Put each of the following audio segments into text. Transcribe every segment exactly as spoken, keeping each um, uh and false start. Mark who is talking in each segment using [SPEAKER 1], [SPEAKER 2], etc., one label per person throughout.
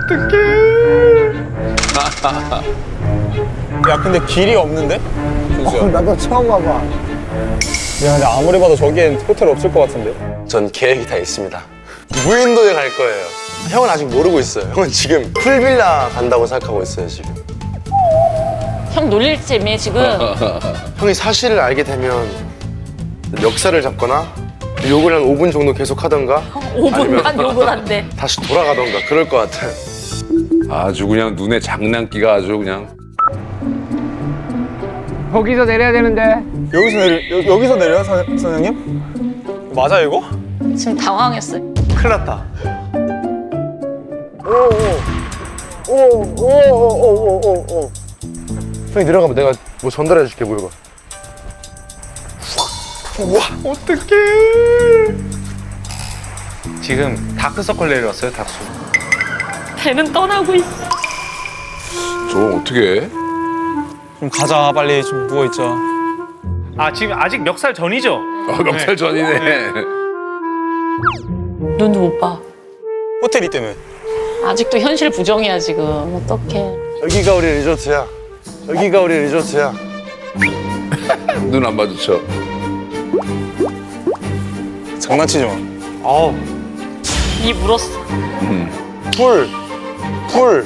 [SPEAKER 1] 어떡해.
[SPEAKER 2] 야 근데 길이 없는데? 준수야.
[SPEAKER 3] 어, 나도 처음 와봐.
[SPEAKER 2] 야 근데 아무리 봐도 저기엔 호텔 없을 것 같은데?
[SPEAKER 4] 전 계획이 다 있습니다. 무인도에 갈 거예요. 형은 아직 모르고 있어요. 형은 지금 풀빌라 간다고 생각하고 있어요, 지금.
[SPEAKER 5] 형 놀릴 재미에 지금.
[SPEAKER 4] 형이 사실을 알게 되면 역사를 잡거나 욕을 한 오 분 정도 계속 하던가
[SPEAKER 5] 오 분간 욕을 한대.
[SPEAKER 4] 다시 돌아가던가 그럴 것 같아요.
[SPEAKER 1] 아주 그냥 눈에 장난기가 아주 그냥.
[SPEAKER 3] 거기서 내려야 되는데.
[SPEAKER 2] 여기서 내려, 여, 여기서 내려요, 선, 선생님? 맞아 이거?
[SPEAKER 5] 지금 당황했어요.
[SPEAKER 2] 큰일 났다.
[SPEAKER 4] 오오오오오오오오 형이 내려가면 내가 뭐 전달해 줄게 물건.
[SPEAKER 2] 어떡해.
[SPEAKER 6] 지금 다크서클 내려왔어요, 다크.
[SPEAKER 5] 배는 떠나고 있어.
[SPEAKER 1] 저거 어떻게 해?
[SPEAKER 2] 좀 가자 빨리 좀 누워있자.
[SPEAKER 6] 아, 지금 아직 멱살 전이죠?
[SPEAKER 1] 아, 명찰 전이네.
[SPEAKER 5] 눈도 못 봐.
[SPEAKER 2] 호텔이 때문에.
[SPEAKER 5] 아직도 현실 부정이야 지금. 어떡해.
[SPEAKER 4] 여기가 우리 리조트야. 여기가 우리 리조트야.
[SPEAKER 1] 눈 안 마주쳐.
[SPEAKER 2] 장난치지 마.
[SPEAKER 6] 어우,
[SPEAKER 5] 이 물었어.
[SPEAKER 4] 풀. 풀.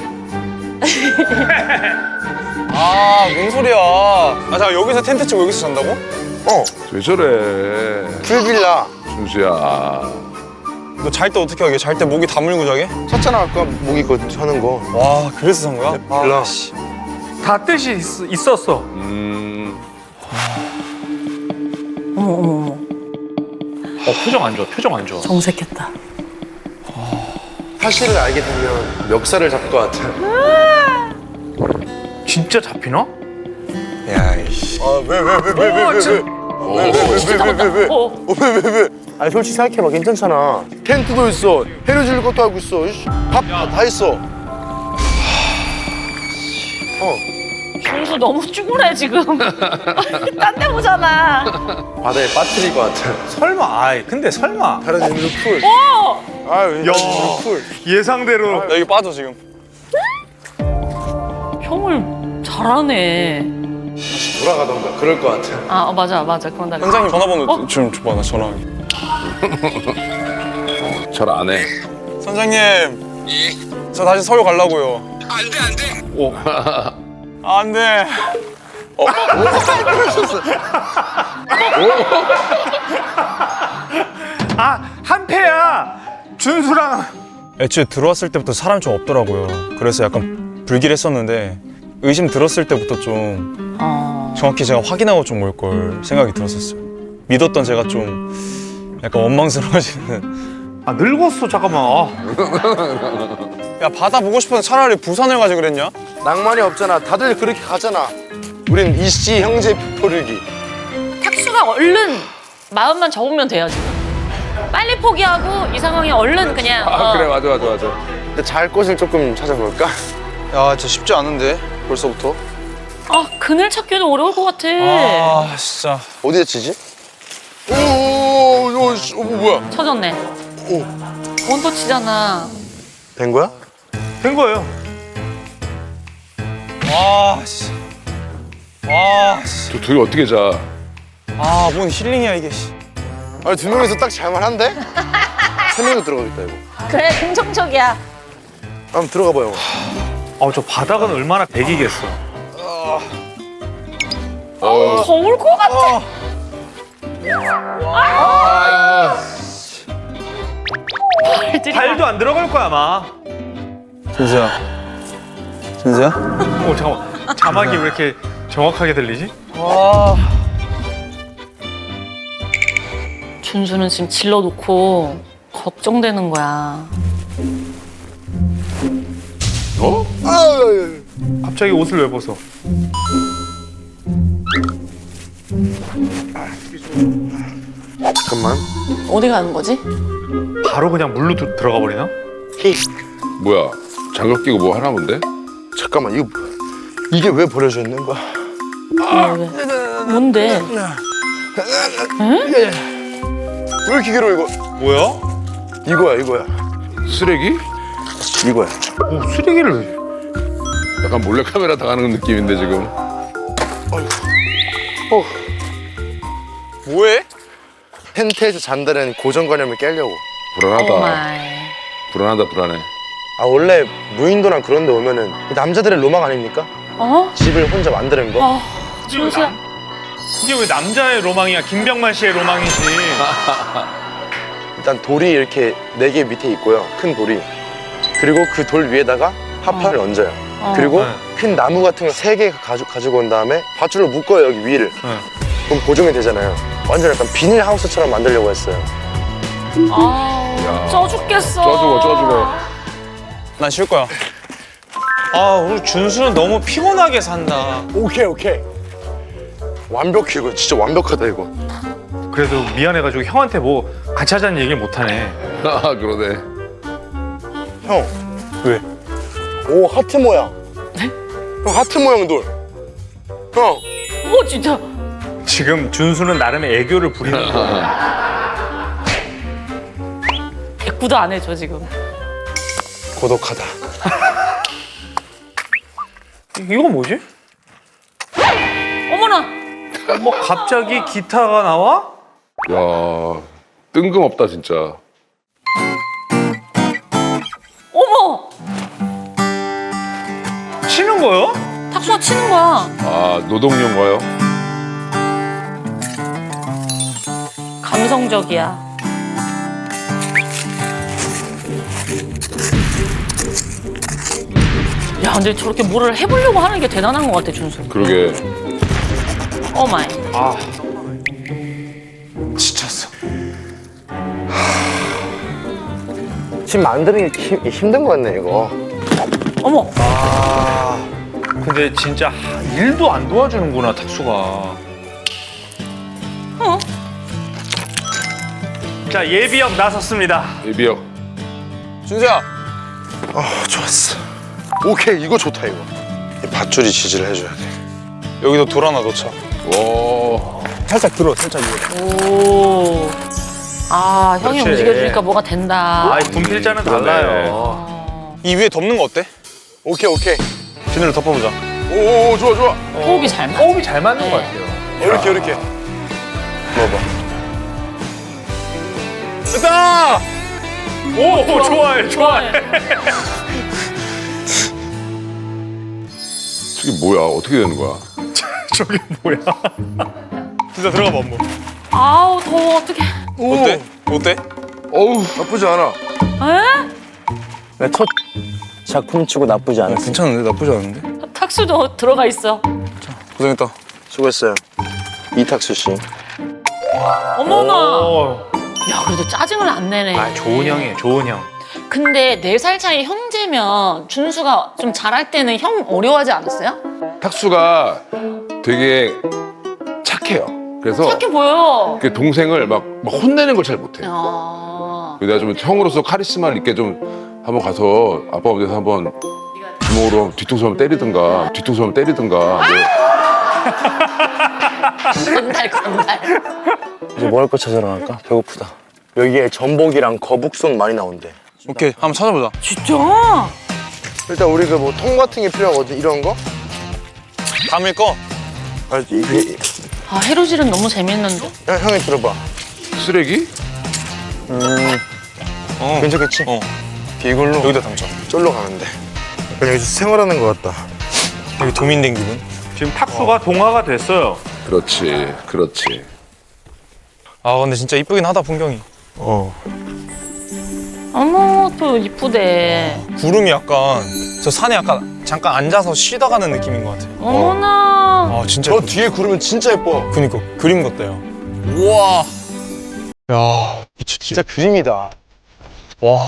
[SPEAKER 2] 아, 뭔 소리야. 아, 잠깐 여기서 텐트 치고 여기서 잔다고?
[SPEAKER 4] 어.
[SPEAKER 1] 왜 저래?
[SPEAKER 4] 풀빌라.
[SPEAKER 1] 준수야.
[SPEAKER 2] 너 잘 때 어떻게 하게? 잘 때 목이 다물고 자게?
[SPEAKER 4] 샀잖아 아까 모기 거 하는 거.
[SPEAKER 2] 와, 그래서 산 거야?
[SPEAKER 4] 빌라.
[SPEAKER 2] 아, 씨.
[SPEAKER 6] 다 뜻이 있, 있었어.
[SPEAKER 1] 음.
[SPEAKER 5] 어머 어머 어머.
[SPEAKER 6] 어, 표정 안 좋아, 표정 안 좋아.
[SPEAKER 5] 정색했다.
[SPEAKER 4] 사실을 알게 되면 멱살을 잡을 것 같아.
[SPEAKER 6] 진짜 잡히나?
[SPEAKER 4] 야, 이씨. 아, 왜, 왜, 왜, 왜, 왜, 왜, 왜, 왜, 왜, 왜, 왜, 왜,
[SPEAKER 5] 어.
[SPEAKER 4] 어, 왜, 왜, 왜? 아니, 솔직히 생각해봐, 괜찮잖아. 텐트도 있어, 해를 줄 것도 알고 있어, 밥 다 했어. 어,
[SPEAKER 5] 준수 너무 쭈그래 지금. 딴 데 보잖아.
[SPEAKER 4] 바다에 빠뜨릴 것 같아.
[SPEAKER 6] 설마, 아이, 근데 설마.
[SPEAKER 4] 다른 의미로 풀.
[SPEAKER 5] 어.
[SPEAKER 4] 아유,
[SPEAKER 6] 야.
[SPEAKER 4] 풀.
[SPEAKER 6] 예상대로.
[SPEAKER 2] 나 여기 빠져, 지금.
[SPEAKER 5] 형을 잘하네.
[SPEAKER 4] 돌아가던가, 그럴 것 같아.
[SPEAKER 5] 아 어, 맞아 맞아 그런 날.
[SPEAKER 2] 선생님 전화번호
[SPEAKER 5] 어?
[SPEAKER 2] 좀 줘봐, 나 전화하게.
[SPEAKER 1] 잘 안 해.
[SPEAKER 2] 선생님. 저 다시 서울 가려고요.
[SPEAKER 4] 안 돼, 안 돼.
[SPEAKER 6] 오.
[SPEAKER 2] 아, 안 돼.
[SPEAKER 6] 아, 한패야. 준수랑.
[SPEAKER 2] 애초에 들어왔을 때부터 사람이 좀 없더라고요. 그래서 약간 불길했었는데 의심 들었을 때부터 좀
[SPEAKER 5] 어.
[SPEAKER 2] 정확히 제가 확인하고 좀 올 걸 생각이 들었었어요. 믿었던 제가 좀 약간 원망스러워지는.
[SPEAKER 6] 아, 늙었어, 잠깐만. 아.
[SPEAKER 2] 야, 바다 보고 싶어서 차라리 부산을 가지 그랬냐?
[SPEAKER 4] 낭만이 없잖아. 다들 그렇게 가잖아. 우린 이씨 형제 표류기.
[SPEAKER 5] 탁수가 얼른 마음만 접으면 돼요 지금. 빨리 포기하고 이 상황에 얼른 그냥.
[SPEAKER 1] 아,
[SPEAKER 5] 어.
[SPEAKER 1] 그래, 맞아, 맞아, 맞아.
[SPEAKER 4] 근데 잘 곳을 조금 찾아볼까?
[SPEAKER 2] 야, 진짜 쉽지 않은데 벌써부터.
[SPEAKER 5] 아 그늘 찾기도 어려울 것 같아.
[SPEAKER 2] 아, 진짜.
[SPEAKER 4] 어디에 치지? 오, 오, 오, 씨, 어, 뭐야?
[SPEAKER 5] 쳐졌네.
[SPEAKER 4] 오,
[SPEAKER 5] 원터 치잖아.
[SPEAKER 4] 된 거야?
[SPEAKER 6] 된 거예요.
[SPEAKER 2] 와, 씨. 와, 씨.
[SPEAKER 1] 저 둘이 어떻게 자?
[SPEAKER 2] 아, 뭔 힐링이야 이게. 씨.
[SPEAKER 4] 아니, 두 명이서 딱 잘만한데? 세 명이 들어가겠다, 이거.
[SPEAKER 5] 그래 긍정적이야.
[SPEAKER 4] 한번 들어가 봐요.
[SPEAKER 6] 아, 저 바닥은 얼마나 백이겠어.
[SPEAKER 1] 어.
[SPEAKER 5] 더울 것 같아. 발들이
[SPEAKER 6] 발도 안 들어갈 거야, 아마.
[SPEAKER 2] 준수야. 준수야?
[SPEAKER 6] 어, 잠깐만. 자막이 왜 이렇게 정확하게 들리지?
[SPEAKER 2] 와.
[SPEAKER 5] 준수는 지금 질러놓고 걱정되는 거야.
[SPEAKER 1] 어?
[SPEAKER 6] 갑자기 옷을 왜 벗어?
[SPEAKER 4] 잠깐만.
[SPEAKER 5] 어디 가는 거지?
[SPEAKER 6] 바로 그냥 물로 두- 들어가 버리나?
[SPEAKER 4] 히.
[SPEAKER 1] 뭐야? 장갑 끼고 뭐 하나 본데?
[SPEAKER 4] 잠깐만, 이거 이게 왜 버려져 있는 거야?
[SPEAKER 5] 왜, 왜? 뭔데?
[SPEAKER 4] 왜 이렇게 길어, 이거?
[SPEAKER 2] 뭐야?
[SPEAKER 4] 이거야, 이거야.
[SPEAKER 1] 쓰레기?
[SPEAKER 4] 이거야.
[SPEAKER 6] 오, 쓰레기를 왜?
[SPEAKER 1] 약간 몰래카메라 당하는 느낌인데 지금.
[SPEAKER 2] 뭐해?
[SPEAKER 4] 텐트에서 잔다는 고정관념을 깨려고.
[SPEAKER 1] 불안하다.
[SPEAKER 5] 오마이.
[SPEAKER 1] 불안하다 불안해.
[SPEAKER 4] 아 원래 무인도랑 그런 데 오면은 남자들의 로망 아닙니까?
[SPEAKER 5] 어?
[SPEAKER 4] 집을 혼자 만드는 거.
[SPEAKER 5] 어. 준수야.
[SPEAKER 6] 이게 왜 남자의 로망이야? 김병만 씨의 로망이지.
[SPEAKER 4] 일단 돌이 이렇게 네 개 밑에 있고요. 큰 돌이. 그리고 그 돌 위에다가 핫판을 얹어요.
[SPEAKER 5] 어.
[SPEAKER 4] 그리고
[SPEAKER 6] 네.
[SPEAKER 4] 큰 나무 같은 거 세 개 가지고, 가지고 온 다음에 밧줄로 묶어요, 여기 위를.
[SPEAKER 6] 네.
[SPEAKER 4] 그럼 고정이 되잖아요. 완전 약간 비닐하우스처럼 만들려고 했어요.
[SPEAKER 5] 아우, 쪄 죽겠어.
[SPEAKER 1] 쪄 죽어, 쪄 죽어.
[SPEAKER 2] 난 쉴 거야. 아, 우리 준수는 너무 피곤하게 산다.
[SPEAKER 4] 오케이, 오케이. 완벽해, 이거. 진짜 완벽하다, 이거.
[SPEAKER 6] 그래도 미안해가지고 형한테 뭐 같이 하자는 얘기를 못하네.
[SPEAKER 1] 아 그러네.
[SPEAKER 4] 형.
[SPEAKER 2] 왜?
[SPEAKER 4] 오, 하트 모양. 형, 하트 모양 돌. 형.
[SPEAKER 5] 오, 진짜.
[SPEAKER 6] 지금 준수는 나름의 애교를 부리는 거야.
[SPEAKER 5] 백구도 안 해줘, 지금.
[SPEAKER 4] 고독하다.
[SPEAKER 6] 이건 뭐지?
[SPEAKER 5] 어머나.
[SPEAKER 6] 뭐 갑자기 기타가 나와?
[SPEAKER 1] 야 뜬금없다 진짜.
[SPEAKER 5] 어머!
[SPEAKER 6] 치는 거요?
[SPEAKER 5] 탁수가 치는 거야.
[SPEAKER 1] 아 노동요인가요?
[SPEAKER 5] 감성적이야. 야, 근데 저렇게 뭐를 해보려고 하는 게 대단한 것 같아, 준수.
[SPEAKER 1] 그러게.
[SPEAKER 5] 오마이.
[SPEAKER 6] 아,
[SPEAKER 2] 지쳤어.
[SPEAKER 4] 집 만드는 게 힘, 힘든 거 같네, 이거.
[SPEAKER 5] 어머!
[SPEAKER 6] 근데 진짜 일도 안 도와주는구나, 탁수가.
[SPEAKER 5] 어?
[SPEAKER 6] 자, 예비역 나섰습니다.
[SPEAKER 1] 예비역.
[SPEAKER 2] 준수야.
[SPEAKER 4] 아, 좋았어. 오케이, 이거 좋다, 이거. 이 밧줄이 지지를 해줘야 돼.
[SPEAKER 2] 여기도 돌 하나 넣자.
[SPEAKER 1] 와.
[SPEAKER 2] 살짝 들어, 살짝 위에.
[SPEAKER 5] 오. 아, 형이
[SPEAKER 6] 그렇지.
[SPEAKER 5] 움직여주니까 뭐가 된다.
[SPEAKER 6] 아, 분필자는
[SPEAKER 1] 그러네.
[SPEAKER 6] 달라요.
[SPEAKER 2] 이 위에 덮는 거 어때?
[SPEAKER 4] 오케이, 오케이.
[SPEAKER 2] 비닐로 덮어보자.
[SPEAKER 1] 오 좋아 좋아.
[SPEAKER 5] 호흡이 잘 맞아.
[SPEAKER 6] 호흡이 잘 맞는
[SPEAKER 5] 네.
[SPEAKER 6] 것 같아요.
[SPEAKER 4] 이렇게, 이렇게. 먹어봐.
[SPEAKER 6] 됐다! 오, 오, 좋아해, 좋아해.
[SPEAKER 1] 저게 뭐야? 어떻게 되는 거야?
[SPEAKER 6] 저게 뭐야?
[SPEAKER 2] 진짜 들어가봐, 한번.
[SPEAKER 5] 아우, 더워, 어떡해.
[SPEAKER 2] 어때? 어때?
[SPEAKER 1] 어우.
[SPEAKER 4] 나쁘지 않아.
[SPEAKER 5] 에?
[SPEAKER 3] 첫 작품 치고 나쁘지
[SPEAKER 2] 야,
[SPEAKER 3] 않았어.
[SPEAKER 2] 괜찮은데? 나쁘지 않은데?
[SPEAKER 5] 탁수도 들어가 있어.
[SPEAKER 2] 고생했다.
[SPEAKER 4] 수고했어요. 이탁수 씨.
[SPEAKER 5] 어머나.
[SPEAKER 6] 오.
[SPEAKER 5] 야, 그래도 짜증을 안 내네.
[SPEAKER 6] 아, 좋은 형이에요, 좋은 형.
[SPEAKER 5] 근데 네 살 차이 형제면 준수가 좀 잘할 때는 형 어려워하지 않았어요?
[SPEAKER 1] 탁수가 되게 착해요. 그래서
[SPEAKER 5] 착해 보여.
[SPEAKER 1] 그 동생을 막, 막 혼내는 걸 잘 못해.
[SPEAKER 5] 아.
[SPEAKER 1] 내가 좀 형으로서 카리스마를 있게 좀 한번 가서 아빠 어디서 한번 주먹으로 뒤통수 한번 때리든가 뒤통수 한번 때리든가 뭐.
[SPEAKER 5] 건달, 건달.
[SPEAKER 3] 이제 뭐 할 거 찾으러 갈까? 배고프다.
[SPEAKER 4] 여기에 전복이랑 거북손 많이 나온대.
[SPEAKER 2] 오케이, 한번 찾아보자.
[SPEAKER 5] 진짜?
[SPEAKER 4] 일단 우리 그 뭐 통 같은 게 필요하거든, 이런 거?
[SPEAKER 2] 담을 거?
[SPEAKER 4] 아, 이,
[SPEAKER 5] 아, 해루질은 너무 재밌는데?
[SPEAKER 4] 형, 형이 들어봐.
[SPEAKER 1] 쓰레기?
[SPEAKER 2] 어.
[SPEAKER 4] 괜찮겠지?
[SPEAKER 2] 어.
[SPEAKER 4] 이걸로
[SPEAKER 2] 여기다 담자.
[SPEAKER 4] 쫄러 가는데. 그냥 여기서 생활하는 것 같다.
[SPEAKER 2] 여기 도민된 기분.
[SPEAKER 6] 지금 탁수가 동화가 됐어요.
[SPEAKER 1] 그렇지 그렇지.
[SPEAKER 2] 아, 근데 진짜 이쁘긴 하다, 풍경이.
[SPEAKER 4] 어.
[SPEAKER 5] 어머, 또 이쁘대.
[SPEAKER 2] 구름이 약간, 저 산에 약간 잠깐 앉아서 쉬다 가는 느낌인 것 같아.
[SPEAKER 5] 어머나.
[SPEAKER 2] 아, 진짜.
[SPEAKER 4] 저
[SPEAKER 2] 예쁘다.
[SPEAKER 4] 뒤에 구르면 진짜 예뻐.
[SPEAKER 2] 그니까, 그림 같다요. 우와. 야, 미쳤지.
[SPEAKER 4] 진짜 그림이다.
[SPEAKER 2] 와.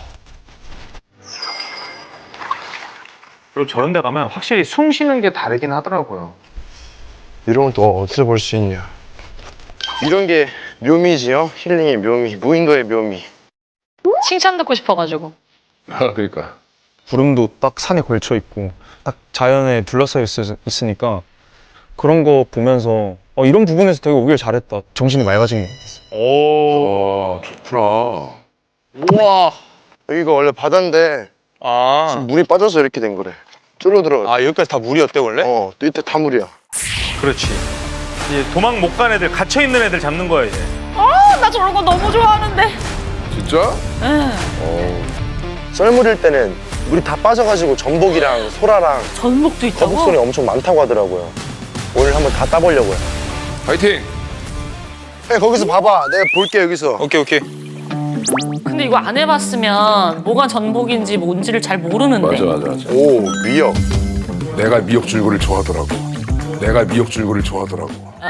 [SPEAKER 6] 그리고 저런 데 가면 확실히 숨 쉬는 게 다르긴 하더라고요.
[SPEAKER 4] 이런 건 또 어디서 볼 수 있냐. 이런 게 묘미지요? 힐링의 묘미, 무인도의 묘미.
[SPEAKER 5] 칭찬 듣고 싶어가지고.
[SPEAKER 1] 아 그러니까.
[SPEAKER 2] 구름도 딱 산에 걸쳐 있고, 딱 자연에 둘러싸여 있, 있으니까 그런 거 보면서 어, 이런 부분에서 되게 오길 잘했다. 정신이 맑아진 게 있어.
[SPEAKER 6] 오.
[SPEAKER 1] 아 좋구나.
[SPEAKER 2] 우와.
[SPEAKER 4] 여기가 원래 바다인데
[SPEAKER 6] 아,
[SPEAKER 4] 물이 빠져서 이렇게 된 거래. 줄어들어.
[SPEAKER 6] 아 여기까지 다 물이었대 원래?
[SPEAKER 4] 어, 또 이때 다 물이야.
[SPEAKER 6] 그렇지. 이제 도망 못 간 애들, 갇혀 있는 애들 잡는 거야 이제.
[SPEAKER 5] 아, 나 저런 거 너무 좋아하는데.
[SPEAKER 1] 진짜?
[SPEAKER 5] 응.
[SPEAKER 1] 어.
[SPEAKER 4] 썰물일 때는 물이 다 빠져가지고 전복이랑 소라랑
[SPEAKER 5] 전복도 있다고?
[SPEAKER 4] 거북손이 엄청 많다고 하더라고요. 오늘 한번 다 따보려고요.
[SPEAKER 1] 파이팅!
[SPEAKER 4] 네, 거기서 봐봐. 내가 볼게 여기서.
[SPEAKER 6] 오케이 오케이.
[SPEAKER 5] 근데 이거 안 해봤으면 뭐가 전복인지 뭔지를 잘 모르는데.
[SPEAKER 1] 맞아 맞아 맞아.
[SPEAKER 4] 오, 미역.
[SPEAKER 1] 내가 미역 줄기를 좋아하더라고. 내가 미역 줄기를 좋아하더라고.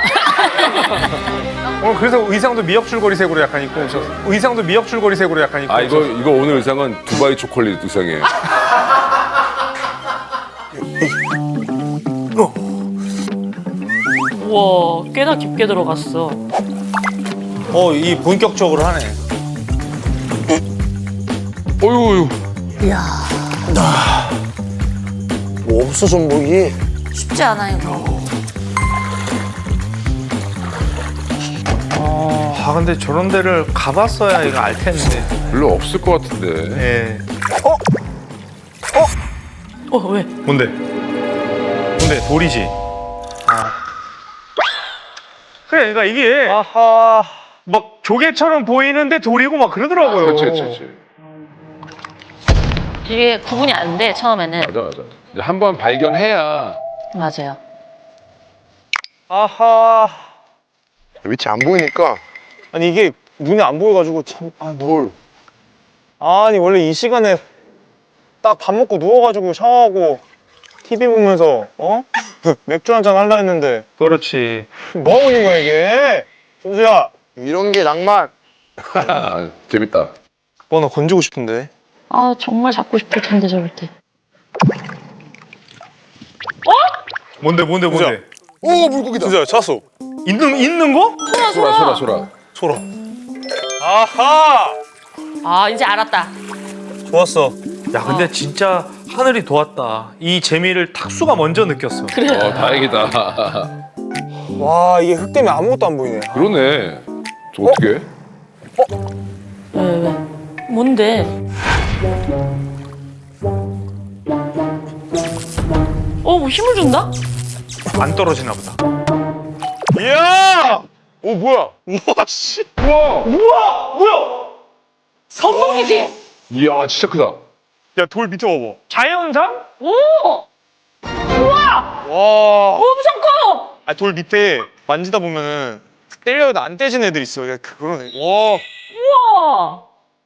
[SPEAKER 6] 오늘 그래서 의상도 미역 줄거리 색으로 약간 입고 오셨어. 의상도 미역 줄거리 색으로 약간 입고
[SPEAKER 1] 아 이거
[SPEAKER 6] 오셨어.
[SPEAKER 1] 이거 오늘 의상은 두바이 초콜릿 의상이에요.
[SPEAKER 5] 우와, 꽤나 깊게 들어갔어.
[SPEAKER 6] 어, 이 본격적으로 하네.
[SPEAKER 1] 어유
[SPEAKER 4] 뭐 없어 전복이.
[SPEAKER 5] 쉽지 않아요.
[SPEAKER 6] 아, 근데 저런 데를 가봤어야 이거 알 텐데.
[SPEAKER 1] 별로 없을 것 같은데.
[SPEAKER 6] 예.
[SPEAKER 5] 어, 왜?
[SPEAKER 6] 뭔데? 뭔데? 돌이지. 아. 그래, 그러니까 이게 아하. 막 조개처럼 보이는데 돌이고 막 그러더라고요.
[SPEAKER 1] 그렇지 그렇지 그렇지.
[SPEAKER 5] 이게 구분이 안 돼, 처음에는.
[SPEAKER 1] 맞아 맞아. 이제 한 번 발견해야.
[SPEAKER 5] 맞아요.
[SPEAKER 6] 아하.
[SPEAKER 4] 위치 안 보이니까.
[SPEAKER 2] 아니 이게 눈에 안 보여가지고 참. 아,
[SPEAKER 4] 뭘?
[SPEAKER 2] 아니 원래 이 시간에 딱 밥 먹고 누워가지고 샤워하고 티비 보면서 어? 맥주 한잔 하려 했는데
[SPEAKER 6] 그렇지.
[SPEAKER 2] 뭐 하고 있는 거야 이게? 준수야
[SPEAKER 4] 이런 게 낭만.
[SPEAKER 1] 재밌다.
[SPEAKER 2] 뭐 나 건지고 싶은데.
[SPEAKER 5] 아, 정말 잡고 싶을 텐데, 저럴 때.
[SPEAKER 6] 뭔데 뭔데 뭔데?
[SPEAKER 4] 오, 물고기다.
[SPEAKER 2] 준수야 찾았어.
[SPEAKER 6] 있는 있는 거?
[SPEAKER 5] 소라,
[SPEAKER 1] 소라
[SPEAKER 5] 소라.
[SPEAKER 1] 소라 소라.
[SPEAKER 6] 소라. 아하.
[SPEAKER 5] 아, 이제 알았다.
[SPEAKER 6] 좋았어. 야, 근데 진짜 하늘이 도왔다. 이 재미를 탁수가 먼저 느꼈어.
[SPEAKER 1] 어 다행이다.
[SPEAKER 2] 와 이게 흙 때문에 아무것도 안 보이네.
[SPEAKER 1] 그러네. 저 어떻게? 해?
[SPEAKER 5] 왜, 왜? 뭔데? 어, 뭐 힘을 준다?
[SPEAKER 6] 안 떨어지나 보다.
[SPEAKER 2] 이야!
[SPEAKER 4] 오, 뭐야?
[SPEAKER 2] 우와 씨.
[SPEAKER 6] 우와, 뭐야?
[SPEAKER 5] 전복이지?
[SPEAKER 1] 이야 진짜 크다.
[SPEAKER 2] 야 돌 밑에 봐봐.
[SPEAKER 6] 자연산?
[SPEAKER 5] 오! 우와!
[SPEAKER 2] 와.
[SPEAKER 5] 엄청 커!
[SPEAKER 2] 아 돌 밑에 만지다 보면은 때려도 안 떼진 애들 있어. 야 그거는. 와.
[SPEAKER 5] 우와!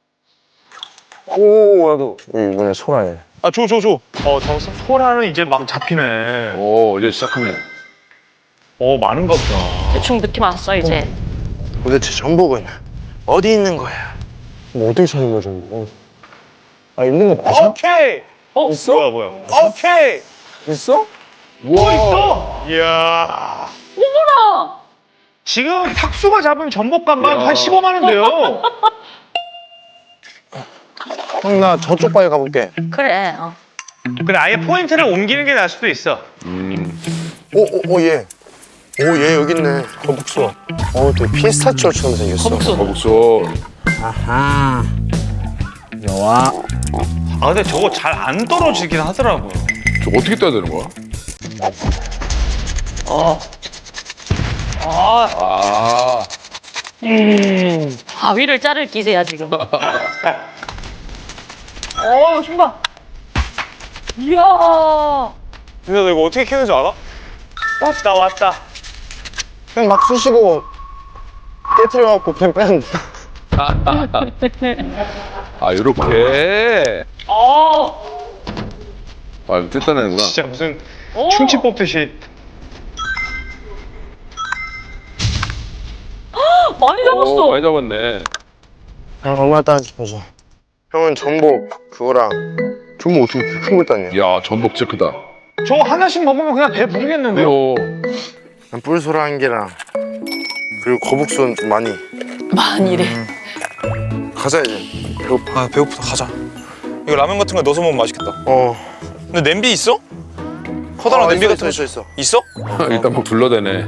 [SPEAKER 2] 오 나도.
[SPEAKER 4] 이번에 소라네.
[SPEAKER 2] 아 줘 줘 줘. 어 잡았어?
[SPEAKER 6] 소라는 이제 막 잡히네.
[SPEAKER 1] 오 이제 시작하네.
[SPEAKER 6] 어, 많은가 보다.
[SPEAKER 5] 대충 느낌 왔어, 이제.
[SPEAKER 4] 도대체 전복은 어디 있는 거야?
[SPEAKER 2] 뭐 어떻게 찾는 거야 저거? 아 있는 거 맞아?
[SPEAKER 6] 오케이.
[SPEAKER 5] 어?
[SPEAKER 2] 있어?
[SPEAKER 6] 뭐야 뭐야?
[SPEAKER 2] 오케이. 있어?
[SPEAKER 1] 우와.
[SPEAKER 6] 있어.
[SPEAKER 2] 이야.
[SPEAKER 5] 어머나!
[SPEAKER 6] 지금 탁수가 잡은 전복값만
[SPEAKER 1] 야.
[SPEAKER 6] 한 십오만 원 돼요.
[SPEAKER 4] 형, 나 저쪽 바위 가볼게.
[SPEAKER 5] 그래, 어.
[SPEAKER 6] 근데 아예 포인트를 옮기는 게 나을 수도 있어.
[SPEAKER 1] 음.
[SPEAKER 4] 오, 오, 오, 얘. 오, 얘 여기 있네. 거북소. 어, 되게 피스타치오처럼 생겼어.
[SPEAKER 5] 거북손.
[SPEAKER 1] 거북소.
[SPEAKER 3] 아하. 여와.
[SPEAKER 6] 아, 근데 저거 잘 안 떨어지긴 하더라고요.
[SPEAKER 1] 저 어떻게 따야 되는 거야?
[SPEAKER 5] 어. 아,
[SPEAKER 1] 아.
[SPEAKER 5] 음. 바위를 자를 기세야, 지금. 어, 좀 봐. 이야.
[SPEAKER 2] 근데 너 이거 어떻게 캐는지 알아?
[SPEAKER 6] 왔다 왔다.
[SPEAKER 4] 그냥 막 쑤시고 깨트려갖고 그냥 빼면 돼.
[SPEAKER 1] 아 요렇게.
[SPEAKER 5] 어.
[SPEAKER 1] 아 이거 뜯어내는구나.
[SPEAKER 6] 진짜 무슨
[SPEAKER 5] 오.
[SPEAKER 6] 충치 뽑듯이.
[SPEAKER 5] 많이
[SPEAKER 1] 오
[SPEAKER 5] 잡았어.
[SPEAKER 1] 많이 잡았네.
[SPEAKER 4] 형, 얼마나 따는지 보자. 형은 전복 그거랑 전복 어떻게 큰 걸 따냐?
[SPEAKER 1] 야 전복 진짜 크다.
[SPEAKER 6] 저거 하나씩 먹으면 그냥 배 부르겠는데요?
[SPEAKER 1] 요.
[SPEAKER 4] 뿔소라 한 개랑 그리고 거북손 좀 많이.
[SPEAKER 5] 많이래.
[SPEAKER 4] 가자 이제. 배고파.
[SPEAKER 2] 아 배고프다 가자. 이거 라면 같은 거 넣어서 먹으면 맛있겠다.
[SPEAKER 4] 어.
[SPEAKER 2] 근데 냄비 있어? 커다란
[SPEAKER 4] 어,
[SPEAKER 2] 냄비
[SPEAKER 4] 있어,
[SPEAKER 2] 같은 거
[SPEAKER 4] 있어 있어.
[SPEAKER 2] 있어?
[SPEAKER 1] 일단 막 둘러대네.